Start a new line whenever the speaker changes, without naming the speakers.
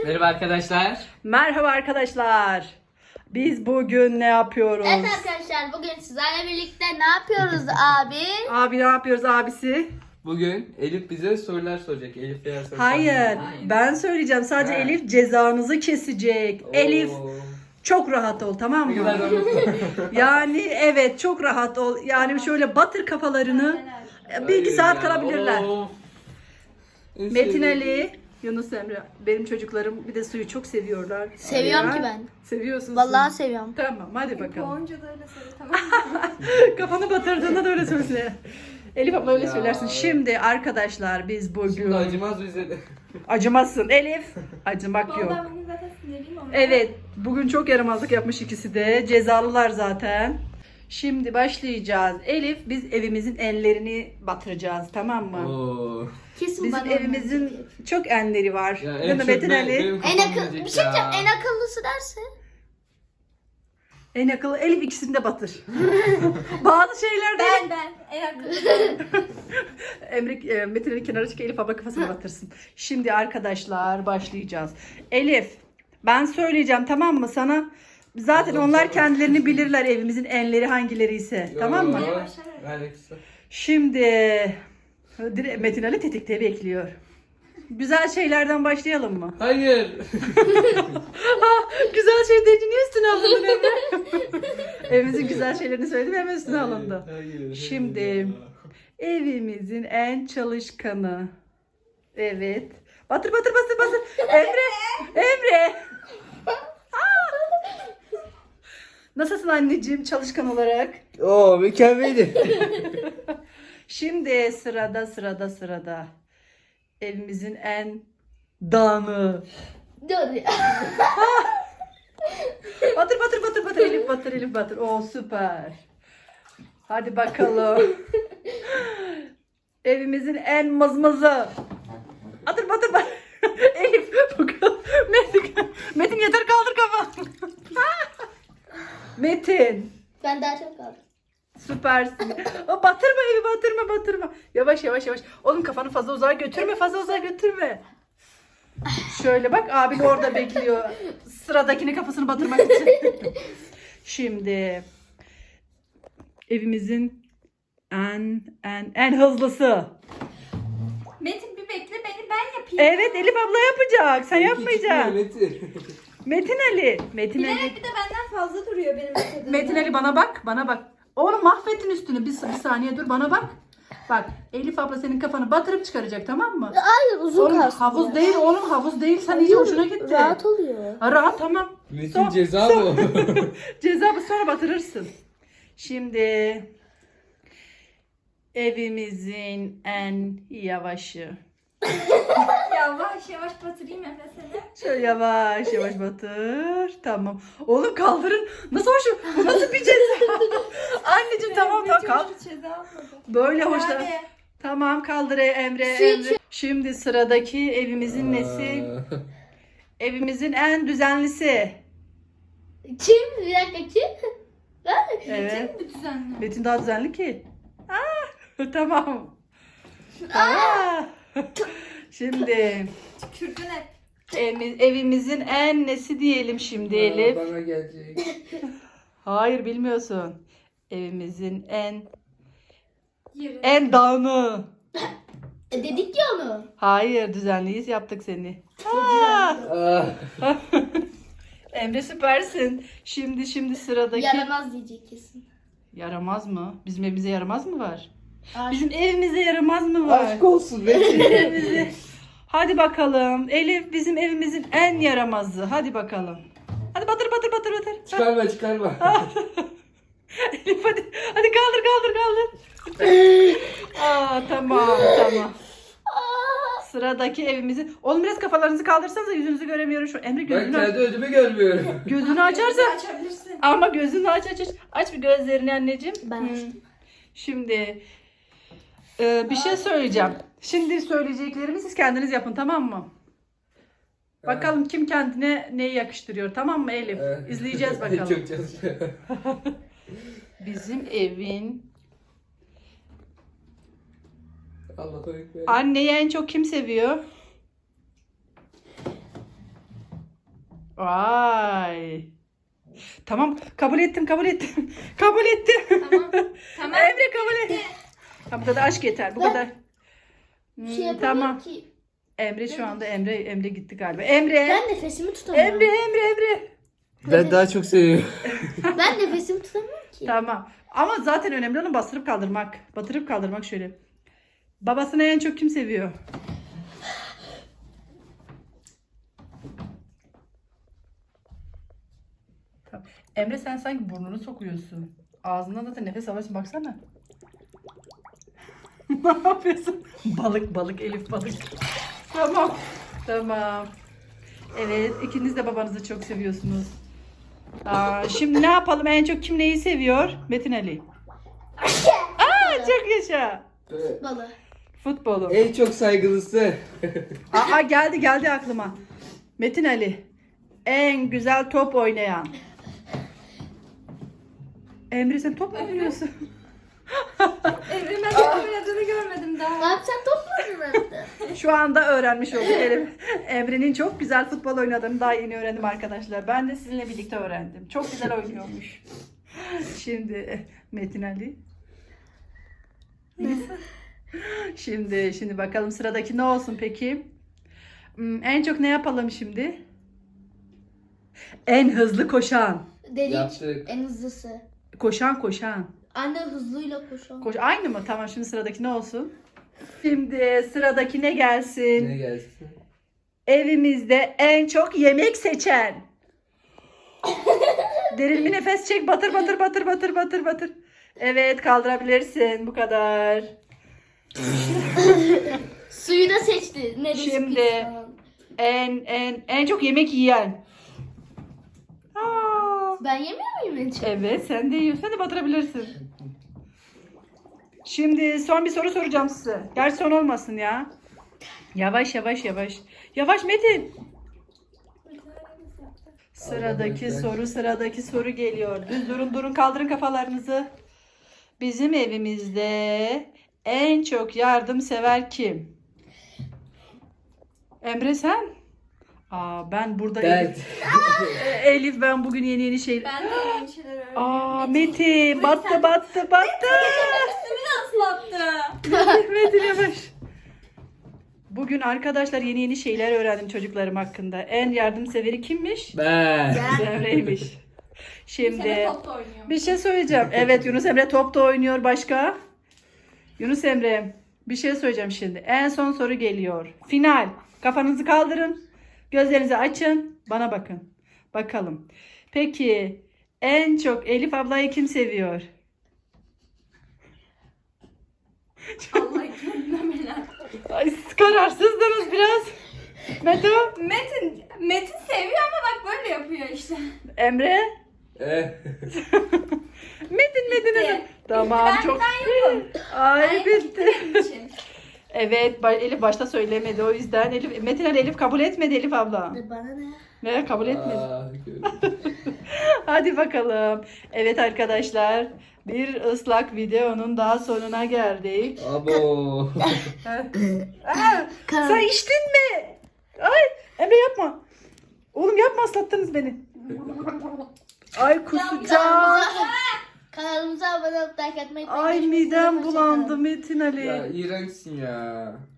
Merhaba arkadaşlar.
Merhaba arkadaşlar. Biz bugün ne yapıyoruz?
Evet arkadaşlar bugün sizlerle birlikte ne yapıyoruz abi?
Abi ne yapıyoruz abisi?
Bugün Elif bize sorular soracak. Elif eğer soru
Hayır, ben söyleyeceğim. Sadece
Ha.
Elif cezanızı kesecek.
Oo.
Elif çok rahat ol, tamam
Ne kadar
mı?
rahat.
Yani evet, çok rahat ol. Yani şöyle batır kafalarını. Bir iki
Hayır
saat
ya,
kalabilirler.
oo. En
Metin
sevdiğim.
Ali, Yunus Emre. Benim çocuklarım bir de suyu çok seviyorlar.
Seviyorum
Ya.
ki ben.
Seviyorsun.
Vallahi
sen.
seviyorum.
Tamam, hadi bakalım.
Boğunca da öyle söyle, tamam mı?
Kafanı batırdığında da öyle söyle. Elif abla öyle
Ya.
söylersin. Şimdi arkadaşlar biz bugün...
Şimdi acımaz bize de.
Acımazsın Elif. Acımak
Vallahi
yok.
ben bugün zaten sinirliyim ama.
Evet, bugün çok yaramazlık yapmış ikisi de. Cezalılar zaten. Şimdi başlayacağız. Elif, biz evimizin enlerini batıracağız, tamam mı?
Oo.
Kesin
Bizim
bana
evimizin çok enleri var.
Ya
Değil mi
çok
Metin
benim
Ali?
kafam
En akıllı bir
yiyecek
şey
ya.
diyeceğim. En akıllısı derse.
En akıllı Elif, ikisini de batır. Bazı şeylerde
Ben en akıllı.
Emre, Metin Ali kenara çık, Elif abla kafasına batırsın. Şimdi arkadaşlar başlayacağız. Elif, ben söyleyeceğim, tamam mı sana? Zaten
Tamam,
onlar
tamam.
kendilerini bilirler, evimizin enleri hangileri ise. Tamam mı?
Yo,
Başlar.
ver kısa.
Şimdi Metin Ali tetikte bekliyor. Güzel şeylerden başlayalım mı?
Hayır.
Güzel şey deyince niye üstüne alındın Emre? Evimizin güzel şeylerini söyledim, hemen üstüne alındı.
Hayır.
Şimdi evimizin en çalışkanı. Evet. Batır batır batır batır. Emre. Emre. Aa! Nasılsın anneciğim çalışkan olarak?
Oo mükemmeldi.
Şimdi sırada. Evimizin en dağını.
Dur.
Batır batır batır batır Elif batır Elif batır. Oo süper. Hadi bakalım. Evimizin en mızmızı. Batır batır batır. Elif bakalım. Metin yeter, kaldır kafanı. Metin.
Ben daha çok kaldım.
Süpersin. O batırma evi, batırma. Yavaş. Oğlum kafanı fazla uzağa götürme. Şöyle bak, abin orada bekliyor. Sıradakini kafasını batırmak için. Şimdi evimizin en hızlısı.
Metin bir bekle, beni ben yapayım.
Evet, Elif abla yapacak. Sen yapmayacaksın.
Metin.
Metin Ali.
Bilerek bir de benden fazla duruyor benim metodum.
Metin Ali bana bak. Oğlum mahvettin üstünü. Bir saniye dur, bana bak. Bak, Elif abla senin kafanı batırıp çıkaracak, tamam mı?
Hayır uzun
Oğlum
kalsın.
havuz
ya.
değil oğlum, havuz değil. Sen iyice hoşuna gitti.
Rahat oluyor.
Ha, rahat, tamam.
Metin ceza mı?
Ceza bu, sonra batırırsın. Şimdi evimizin en yavaşı.
Yavaş yavaş batırayım Efe seni.
Şöyle yavaş batır. Tamam. Oğlum kaldırın. Nasıl hoş? Bu nasıl bir ceza? Anneciğim tamam kalk.
Hiç ceza almadı.
Böyle hoşlan.
Hadi.
Tamam, kaldır Emre.
Su
Emre. Şimdi sıradaki evimizin nesi?
Aa.
Evimizin en düzenlisi.
Kim? Bir dakika kim?
Evet.
Bir düzenli.
Metin daha düzenli ki. Tamam. Aa. Şimdi
Tükürdün hep.
evimizin en nesi diyelim şimdi Elif.
Bana gelecek.
Hayır, bilmiyorsun. Evimizin
Yürü.
en dağını.
Dedik ya onu.
Hayır, düzenliyiz, yaptık seni.
Ah.
Emre süpersin. Şimdi sıradaki.
Yaramaz diyecek kesin.
Yaramaz mı? Bizim evimize yaramaz mı var?
Ay.
Bizim evimize yaramaz mı var?
Aşk olsun Metin.
Evimize. Hadi bakalım. Elif bizim evimizin en yaramazı. Hadi bakalım. Hadi batır.
Çıkarma.
Elif hadi kaldır. Tamam. Sıradaki evimizin. Oğlum biraz kafalarınızı kaldırsanıza, yüzünüzü göremiyorum şu. Emre
Ben
gözünü
kendi ödümü görmüyorum.
gözünü açarsan.
Açabilirsin.
Ama gözünü aç. Aç bir gözlerini anneciğim.
Ben açtım.
Şimdi bir şey söyleyeceğim. Şimdi söyleyeceklerimi siz kendiniz yapın, tamam mı? Bakalım kim kendine neyi yakıştırıyor, tamam mı Elif? İzleyeceğiz bakalım.
Çok çalışıyor.
Bizim evin
Allah'a ekber.
anneyi en çok kim seviyor? Vay. Tamam kabul ettim. Kabul ettim.
Tamam. Tamam.
Emre kabul et. Ha, bu kadar aşk yeter. Bu
Ben-
kadar.
Bir şey yapamıyorum
Tamam.
ki.
Emre şu anda Emre gitti galiba. Emre.
Ben nefesimi tutamıyorum.
Emre.
Ben daha çok seviyorum.
Ben nefesimi tutamıyorum ki.
Tamam. Ama zaten önemli olan bastırıp kaldırmak. Batırıp kaldırmak şöyle. Babasını en çok kim seviyor? Tamam. Emre sen sanki burnunu sokuyorsun. Ağzından zaten nefes alıyorsun baksana. Ne yapıyorsun? Balık Elif balık. Tamam. Evet ikiniz de babanızı çok seviyorsunuz. Şimdi ne yapalım? En çok kim neyi seviyor? Metin Ali. Çok yaşa.
Balı.
Futbolu.
En çok saygılısı.
Geldi aklıma. Metin Ali. En güzel top oynayan. Emre sen top mu oynuyorsun?
Emre ben top oynadığını görmedim daha.
Abi sen top mu oynadın?
Şu anda öğrenmiş olduk Elif. Emre'nin çok güzel futbol oynadığını daha yeni öğrendim arkadaşlar. Ben de sizinle birlikte öğrendim. Çok güzel oynuyormuş. Şimdi Metin Ali. Şimdi bakalım sıradaki ne olsun peki? En çok ne yapalım şimdi? En hızlı koşan.
Dedik.
Yaptık.
En hızlısı.
Koşan.
Anne hızlıyla koşan.
Aynı mı? Tamam şimdi sıradaki ne olsun? Şimdi sıradaki ne gelsin?
Ne gelsin?
Evimizde en çok yemek seçen. Derin bir nefes çek. Batır. Evet kaldırabilirsin. Bu kadar.
Suyu da seçti. Neresi
Şimdi
pis falan.
en çok yemek yiyen.
Ben yemiyor muyum hiç?
Evet sen de yiyorsun. Sen de batırabilirsin. Şimdi son bir soru soracağım size. Gerçi son olmasın ya. Yavaş. Yavaş Metin. Sıradaki soru geliyor. Düz durun kaldırın kafalarınızı. Bizim evimizde en çok yardımsever kim? Emre sen? Ben burada
Ben.
Elif ben bugün yeni şey.
Ben de yeni şeyler öğrendim.
Metin battı.
Üstümü ıslattı.
Metin yavaş. Bugün arkadaşlar yeni şeyler öğrendim çocuklarım hakkında. En yardımseveri kimmiş?
Ben.
Emre'ymiş. Şimdi
Sene top da oynuyor.
bir şey söyleyeceğim. Evet Yunus Emre top da oynuyor başka. Yunus Emre bir şey söyleyeceğim şimdi. En son soru geliyor. Final. Kafanızı kaldırın. Gözlerinizi açın. Bana bakın. Bakalım. Peki en çok Elif ablayı kim seviyor?
Allah kendine bela.
Ay, siz kararsızdınız biraz. Meto.
Metin seviyor ama bak böyle yapıyor işte.
Emre. Metin. Tamam
Ben
çok.
yokum.
Ay bitti.
Benim için.
Evet Elif başta söylemedi o yüzden Metin Ali Elif kabul etmedi Elif abla.
Bana ne?
Ne kabul etmedi. Hadi bakalım. Evet arkadaşlar bir ıslak videonun daha sonuna geldik.
Abo.
Sen içtin mi? Ay Emre yapma. Oğlum yapma ıslattınız beni. Ay kusacağım.
Kanalımıza abone olup like atmayı
Ay
unutmayın.
midem
Hoşça
bulandı
kalın.
Metin Ali.
Ya iğrençsin ya.